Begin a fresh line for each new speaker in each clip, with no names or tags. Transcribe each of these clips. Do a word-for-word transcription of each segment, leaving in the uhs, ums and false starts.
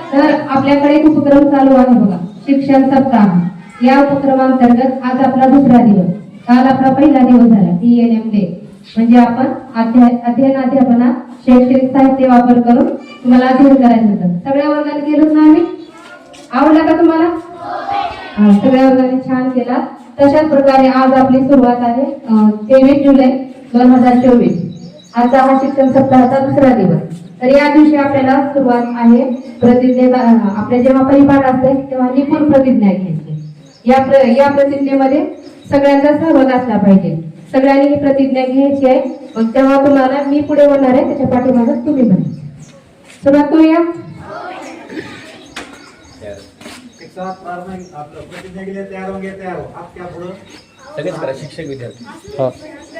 तर आपल्याकडे एक उपक्रम चालू आहे बघा, शिक्षण सप्ताह। या उपक्रमांतर्गत आज आपला दुसरा दिवस, काल आपला पहिला दिवस झाला टी एन एम डे, म्हणजे आपण अध्याय अध्ययन अध्यापनात शैक्षणिक साहित्य वापर करून तुम्हाला अध्ययन करायचं होतं। सगळ्या वर्गाने केलं ना आम्ही? आवडलं का तुम्हाला? हा, सगळ्या वर्गाने छान केला। तशाच प्रकारे आज आपली सुरुवात आहे तेवीस जुलै दोन हजार चोवीस। आजचा हा शिक्षण सप्ताहाचा दुसरा दिवस। तर या दिवशी आपल्याला सुरुवात आहे प्रतिज्ञेचा। आपल्या जेव्हा परिपाठ असते तेव्हा निपुण प्रतिज्ञा घ्यायची। या प्र, या प्रतिज्ञेमध्ये सगळ्यांचा सहभाग असला पाहिजे। सगळ्यांनी ही प्रतिज्ञा घ्यायची आहे। मग तेव्हा तुम्हाला मी पुढे बोलणार आहे, त्याच्या पाठीमागे तुम्ही म्हणायचं। सुरुवात करूया।
एक साथ प्रतिज्ञा के लिए तैयार होंगे? तैयार हो आप? क्या बोलो?
सगळेच करा, शिक्षक विद्यार्थी।
हाँ,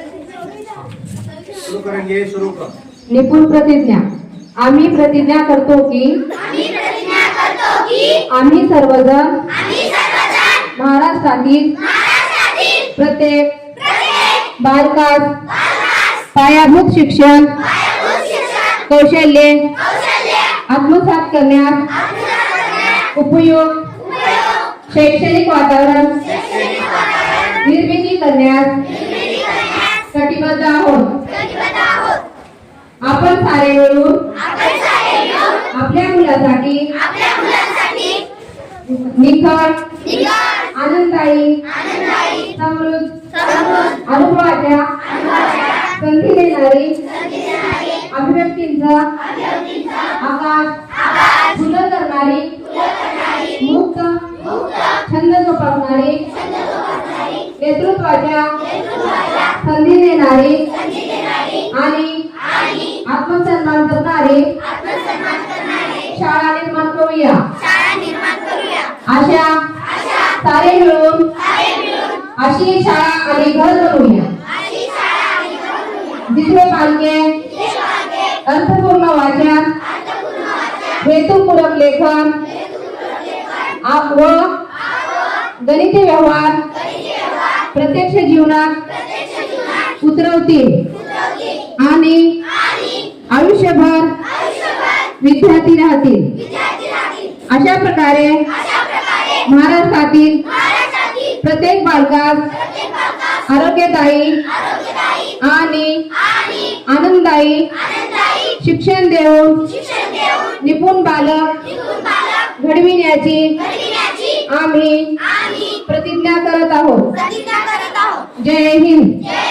शुरू करेंगे। शुरू कर।
निपुण प्रतिज्ञा। आम्ही प्रतिज्ञा करतो की
आम्ही प्रतिज्ञा करतो की
आम्ही सर्वजण
आम्ही सर्वजण
महाराष्ट्रातील
महाराष्ट्रातील
प्रत्येक
प्रत्येक
बालकास
बालकास
पायाभूत शिक्षण
पायाभूत शिक्षण
कौशल्ये
कौशल्य
आत्मसात करण्यास
आत्मसात करण्यास
उपयोग
उपयोग
शैक्षणिक वातावरण
शैक्षणिक वातावरण
निर्मिती करण्यास
निर्मिती करण्यास
कटिबद्ध आहोत।
कटिबद्ध आहोत।
आपण सारे मिळून
आपण सारे मिळून
आपल्या मुलासाठी
आपल्या मुलांसाठी
निखळ
निखळ
आनंददायी
आनंददायी
समृद्ध
समृद्ध
अनुभवाच्या
अनुभवाच्या
संधी देणारी
संधी देणारी
अभिव्यक्तींचा
अभिव्यक्तींचा
आकाश
आकाश
फुलं करणारी
फुलं करणारी
मुक्त
मुक्त
छंद जोपासणारी
छंद जोपासणारी
नेतृत्वाच्या
नेतृत्वाच्या
संधी देणारी
संधी देणारी
आणि
आणि
आत्मसन्मान करणारी
आत्मसन्मान करणारी
शाळा निर्माण करूया।
शाळा निर्माण करूया।
अशा
अशा
सारे मिळून
सारे मिळून
अशी एक शाळा आणि घर बनवूया,
अशी शाळा आणि घर बनवूया।
जिथे पालके
जिथे पालके
अर्थपूर्ण वाचन
अर्थपूर्ण वाचन
हेतुपूरक लेखन
हेतुपूरक लेखन
आप व गणिती व्यवहार
गणिती व्यवहार
प्रत्यक्ष जीवनात
प्रत्यक्ष जीवनात
उतरवतील
उतरवतील
आणि
आणि
आयुष्यभर
आयुष्यभर
विद्यार्थी राहतील।
विद्यार्थी राहतील।
अशा प्रकारे
अशा प्रकारे
महाराष्ट्रातील
महाराष्ट्रातील
प्रत्येक बालकास
प्रत्येक बालकास
आरोग्यदायी
आरोग्यदायी
आणि
आणि
आनंददायी
आनंददायी
शिक्षण देऊन
शिक्षण देऊन
निपुण बालक
निपुण बालक
घडविण्याची
घडविण्याची
आम्ही
आम्ही
प्रतिज्ञा करत आहोत।
प्रतिज्ञा करत आहोत।
जय हिंद।
जय